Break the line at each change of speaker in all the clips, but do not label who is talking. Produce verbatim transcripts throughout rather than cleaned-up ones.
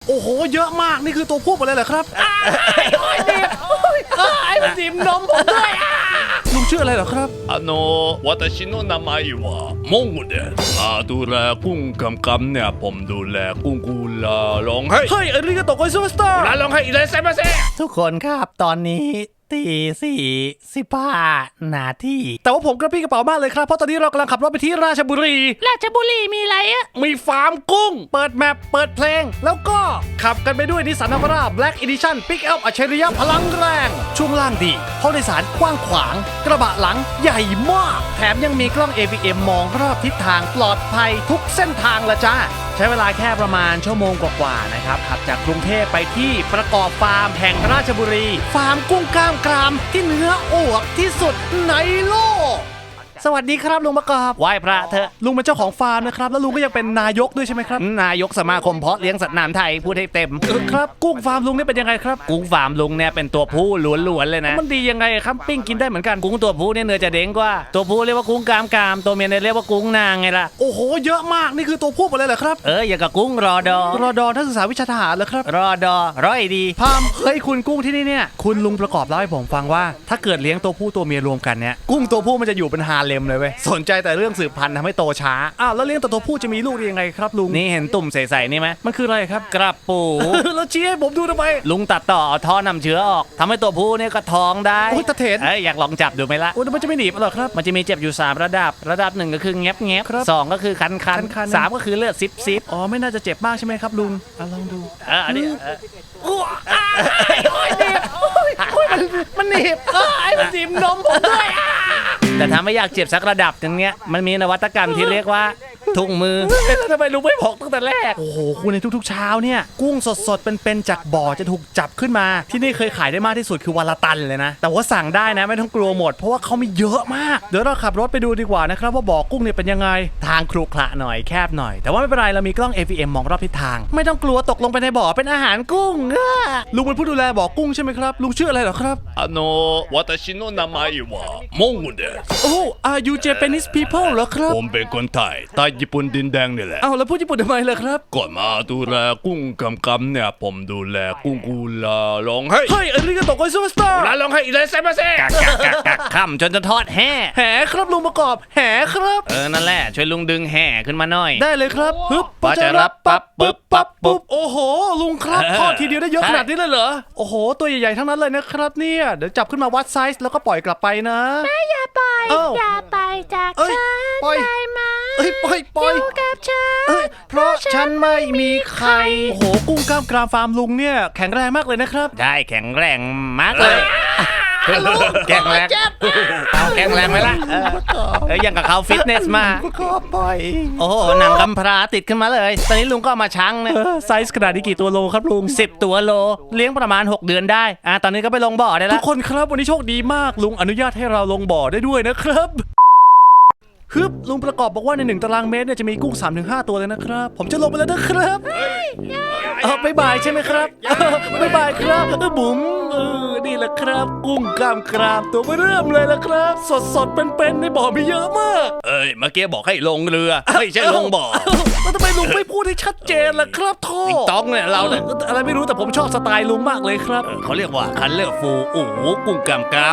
โอ้โหเยอะมากนี่คือตัวผู้หมดเลยเหรอครับไอ้โอ้ยดิบไอ้มันดิบนมผมด้วยลุงชื่ออะไรเหรอครับ
あの私の名前はモンゴですมาดูแลกุ้งกำกำเนี่ยผมดูแลกุ้งกูลาร้องให้
เฮ้ยอาริกาโตะไกซูเปอร์สตาร์
ลาร้องให้อีเลสเซมาเซ
ทุกคนครับตอนนี้ตีสี่สิบห้านาทีแต่ว่าผมกระปี้กระเป๋ามากเลยครับเพราะตอนนี้เรากำลังขับรถไปที่ราชบุรีราชบุรีมีอะไรอะมีฟาร์มกุ้งเปิดแมปเปิดเพลงแล้วก็ขับกันไปด้วยนิสสันนาวาร่า Black Edition Pick Up อัจฉริยะพลังแรงช่วงล่างดีห้องโดยสารกว้างขวางกระบะหลังใหญ่มากแถมยังมีกล้อง เอ วี เอ็ม มองรอบทิศทางปลอดภัยทุกเส้นทางละจ้าใช้เวลาแค่ประมาณชั่วโมงกว่าๆนะครับขับจากกรุงเทพไปที่ประกอบฟาร์มแห่งราชบุรีฟาร์มกุ้งกล้ามกรามที่เนื้ออวบที่สุดในโลกสวัสดีครับลุงประกอบไหว้พระเถอะลุงเป็นเจ้าของฟาร์มนะครับแล้วลุงก็ยังเป็นนายกด้วยใช่ไหมครับนายกสมาคมเพาะเลี้ยงสัตว์น้ำไทยพูดให้เต็มครับกุ้งฟาร์มลุงนี่เป็นยังไงครับกุ้งฟาร์มลุงเนี่ยเป็นตัวผู้ล้วนๆเลยนะมันดียังไงครับปิ้งกินได้เหมือนกันกุ้งตัวผู้เนี่ยเนื้อจะเด้งกว่าตัวผู้เรียกว่ากุ้งกามกามตัวเมียเนี่ยเรียกว่ากุ้งนางไงล่ะโอ้โหเยอะมากนี่คือตัวผู้หมดเลยเหรอครับเอออย่างกับกุ้งรอดอรอดอนักศึกษาวิชาทหารเหรอครับรอดอร้อยดีพามเฮ้ยคุณกุ้งที่นี่เนี่ยคุณลุงประกอบเล่าให้ผมฟังว่าถ้าเกิดเลี้ยงตัวผู้ตัวเมียรวมกันเนี่ยกุ้งตัวผู้มันจะอยู่เป็นฮาเลมเลยเว้ยสนใจแต่เรื่องสืบพันธุ์ทำให้โตช้าอ้าวแล้วเลี้ยงแต่ตัวผู้จะมีลูกได้ยังไงครับลุงนี่เห็นตุ่มใสๆนี่ไหมมันคืออะไรครับกระปู แล้วชี้ให้ผมดูทำไมลุงตัดต่อเอาท่อนำเชื้อออกทำให้ตัวผู้เนี่ยก็ท้องได้โอ้ยตะเถนเอ้ยอยากลองจับดูไหมล่ะโอ้ยมันจะไม่หนีบหรอครับมันจะมีเจ็บอยู่สามระดับระดับหนึ่งก็คือแงบแงบสองก็คือคันคันสามก็คือเลือดซิบซิบอ๋อไม่น่าจะเจ็บมากใช่ไหมครับลุงอ่ะลองดูเอออันนี้โอ้ยหนีบโอ้ยมันมันหนีบไอ้มันหนีบนมผมด้วยแต่ถ้าไม่อยากเจ็บสักระดับอย่างเงี้ยมันมีนวัตกรรมที่เรียกว่าถุงมือทำไมลุงไม่บอกตั้งแต่แรกโอ้โหคุณในทุกๆเช้าเนี่ยกุ้งสดๆเป็นๆจากบ่อจะถูกจับขึ้นมาที่นี่เคยขายได้มากที่สุดคือวันละตันเลยนะแต่ว่าสั่งได้นะไม่ต้องกลัวหมดเพราะว่าเขามีเยอะมากเดี๋ยวเราขับรถไปดูดีกว่านะครับว่าบ่อกุ้งเนี่ยเป็นยังไงทางครุขระหน่อยแคบหน่อยแต่ว่าไม่เป็นไรเรามีกล้อง เอ วี เอ็ม มองรอบทิศทางไม่ต้องกลัวตกลงไปในบ่อเป็นอาหารกุ้งลุงเป็นผู้ดูแลบ่อกุ้งใช่ไหมครับลุงชื่ออะไรเหรอครับ
あの私の名前はモンゴです
โอ้ are you Japanese people เหรอครับ
ผมเป็นคนไทยใต้ญี่ปุ่นดินแดงนี่แหละ
อ้าวแล้วพูดญี่ปุ่นทำไมล่ะครับ
ก่อนมาดูแลกุ้งกำกำเนี่ยผมดูแลกุ้งกูลาร้องให้
เฮ้ยอาริกาโตะไกซูเปอร์สตาร์
ลาร้องให้อีเลสเซมาเซ
กักกักกักกักค่ำจนจะทอดแห่
แหครับลุงประกอบแหครับ
เออนั่นแหละช่วยลุงดึงแห่ขึ้นมาหน่อย
ได้เลยครับฮึบ
พอจะรับปั๊บปึ๊บปั๊บปุ๊บ
โอ้โหลุงครับ
เออ
ทอดทีเดียวได้เยอะ
ใช่
ขนาดนี้เลยเหรอโอ้โหตัวใหญ่ๆทั้งนั้นเลยนะครับเนี่ยเดี๋ยวจับขึ้นมาวัดไซส์แล้วก็ปล่อยกลับไปนะ
อย่าไป
เอ้า
อย่าไปจาก
เอ้ย
ฉัน
ปล่อย
ได้ไหม
เอ้ยปล่อยปล่อย
อยู่กับฉัน
เอ้ยเพราะฉันไม่มีใครโอ้โหกุ้งกล้ามกรามฟาร์มลุงเนี่ยแข็งแรงมากเลยนะครับ
ได้แข็งแรงมากเลยแข็งแรงเอาแข็งแรงไหมล่ะเออเออยังกับเขาฟิตเนสมา
ก็ปล่อย
โอ้โหหนังกำพร้าติดขึ้นมาเลยตอนนี้ลุงก็เอามาชั่งเนี่ย
เออไซส์ขนาดนี้กี่ตัวโลครับลุง
สิบตัวโลเลี้ยงประมาณหกเดือนได้อ่ะตอนนี้ก็ไปลงบ่อได้
ทุ
แล้ว
กคนครับวันนี้โชคดีมากลุงอนุญาตให้เราลงบ่อได้ด้วยนะครับฮึบลุงประกอบบอกว่าในหนึ่งตารางเมตรเนี่ยจะมีกุ้ง สามถึงห้า ตัวเลยนะครับผมจะลงไปแล้วนะครับเออบ๊ายบายใช่ไหมครับเออบ๊ายบายครับเออบุ๋มเออนี่แหละครับกุ้งกล้ามกรามตัวเริ่มเลยละครับ สดสดๆเป็นๆในบ่อมีเยอะมาก
เอ้ยเมื่อกี้บอกให้ลงเรือไม่ใช่ลงบ่อ
แล้วทำไมลุงไม่พูดให้ชัดเจนล่ะครับท่อ
ติ๊กต๊อกเนี่ยเราเนี่ย
อออะไรไม่รู้แต่ผมชอบสไตล์ลุงมากเลยครับ
เขาเรียกว่าคันเลอร์ฟูโอ้โหกุ้งกำกำ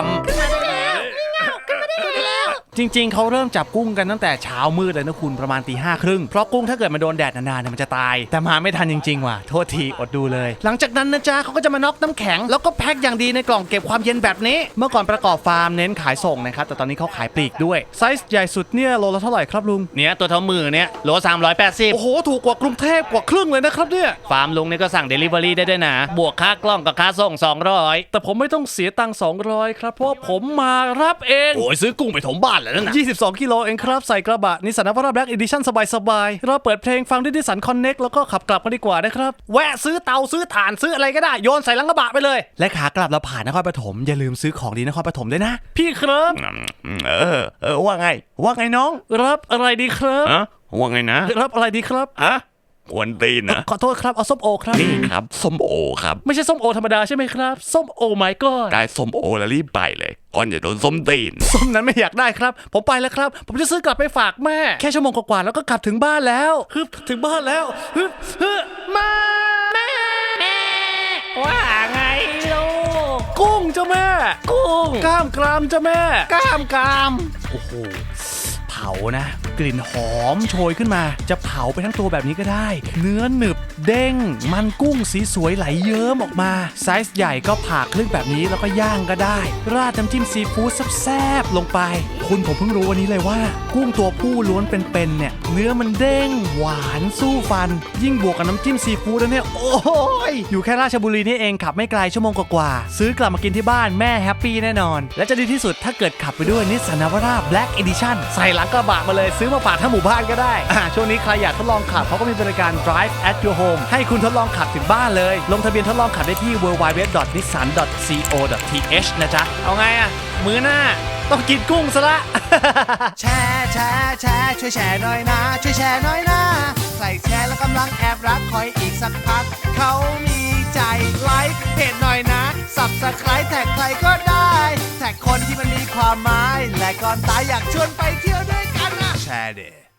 จริงๆ เขาเริ่มจับกุ้งกันตั้งแต่เช้ามืดเลยนะคุณประมาณตีห้าครึ่งเพราะกุ้งถ้าเกิดมันโดนแดดนานๆเนี่ยมันจะตายแต่มาไม่ทันจริงๆว่ะโทษทีอดดูเลย หลังจากนั้นนะจ๊ะเขาก็จะมาน็อกน้ำแข็งแล้วก็แพ็คอย่างดีในกล่องเก็บความเย็นแบบนี้เมื่อก่อนประกอบฟาร์มเน้นขายส่งนะครับแต่ตอนนี้เขาขายปลีกด้วยไซส์ใหญ่สุดเนี่ยโลละเท่าไหร่ครับลุง
เนี่ยตัวเท่ามือเนี่ยโลสามร้อยแปดสิบ
โอ้โหถูกกว่ากรุงเทพกว่าครึ่งเลยนะครับเนี่ย
ฟาร์มลุงเนี่ยก็สั่งเดลิเวอรี่ได้ด้วยนะบวกค่ากล้องกับค่าส่งสองร้อย
แต่ผมไม่ต้องเสียตังค์สองร้อยครับเพราะว่าผมมารับเอง
โอ้ยซื้อกุ้งไปถมบ้านแล้วนะ
ยี่สิบสองกิโลเองครับใส่กระบะนิสสันนาวาร่าแบล็กอีดิชั่นสบายๆเราเปิดเพลงฟังด้วยนิสสันคอนเน็กแล้วก็ขับกลับมาดีกว่านะครับแวะซื้อเตาซื้อถ่านซื้ออะไรก็ได้โยนใส่หลังกระบะไปเลยและขากลับเราผ่านนครปฐมอย่าลืมซื้อของดีนครปฐมด้วยนะพี่ครับ
เออเออว่าไงว่าไงน้อง
รับอะไรดีครับ
อะว่าไงนะ
รับอะไรดีครับ
อะกวนตีนนะ
ขอโทษครับเอาส้มโอครับ
นี่ครับส้มโอครับ
ไม่ใช่ส้มโอธรรมดาใช่ไหมครับส้มโอไมก็
ได้ส้มโอแล้วรีบไปเลยก่อนจะโดนส้มตีน
ส้มนั้นไม่อยากได้ครับผมไปแล้วครับผมจะซื้อกลับไปฝากแม่แค่ชั่วโมงกว่าๆแล้วก็กลับถึงบ้านแล้วฮึบถึงบ้านแล้วฮึบฮึบมาแม่เจ้าแม่
กุ้ง
กล้ามกรามเจ้าแม่
กล้ามกราม
โอ้โหเผานะ กลิ่นหอมโชยขึ้นมา จะเผาไปทั้งตัวแบบนี้ก็ได้ เนื้อหนึบเด้ง มันกุ้งสีสวยไหลเยิ้มออกมาไซส์ใหญ่ก็ผ่าครึ่งแบบนี้แล้วก็ย่างก็ได้ ราดน้ำจิ้มซีฟู้ดแซ่บๆลงไป คุณผมเพิ่งรู้วันนี้เลยว่า กุ้งตัวผู้ล้วนเป็นๆเนี่ยเนื้อมันเด้งหวานสู้ฟัน ยิ่งบวกกับน้ำจิ้มซีฟู้ดแล้วเนี่ยโอ้ยอยู่แค่ราชบุรีนี่เองขับไม่ไกลชั่วโมงกว่าๆซื้อกลับมากินที่บ้านแม่แฮปปี้แน่นอนและจะดีที่สุดถ้าเกิดขับไปด้วยนิสสันนาวาร่า Black Edition ใส่หลังกระบะมาเลยซื้อมาฝากทั้งหมู่บ้านก็ได้อ่าช่วงนี้ใครอยากทดลองขับเขาก็มีบริการ Drive at your home ให้คุณทดลองขับถึงบ้านเลยลงทะเบียนทดลองขับได้ที่ ดับเบิลยู ดับเบิลยู ดับเบิลยู ดอท นิสสัน ดอท ซี โอ ดอท ที เอช นะจ๊ะเอาไงอะมื้อหน้าต้องกินกุ้งซะละ
แชร์แชร์แชร์ช่วยแชร์หน่อยนะ ช่วยแชร์หน่อยนะใครแชร์แล้วกำลังแอบรักคอยอีกสักพัก เขามีใจไลค์เพจหน่อยนะ Subscribe แท็กใครก็ได้ แท็กคนที่มันมีความหมาย และก่อนตายอยากชวนไปเที่ยวด้วยกันนะแชร์เด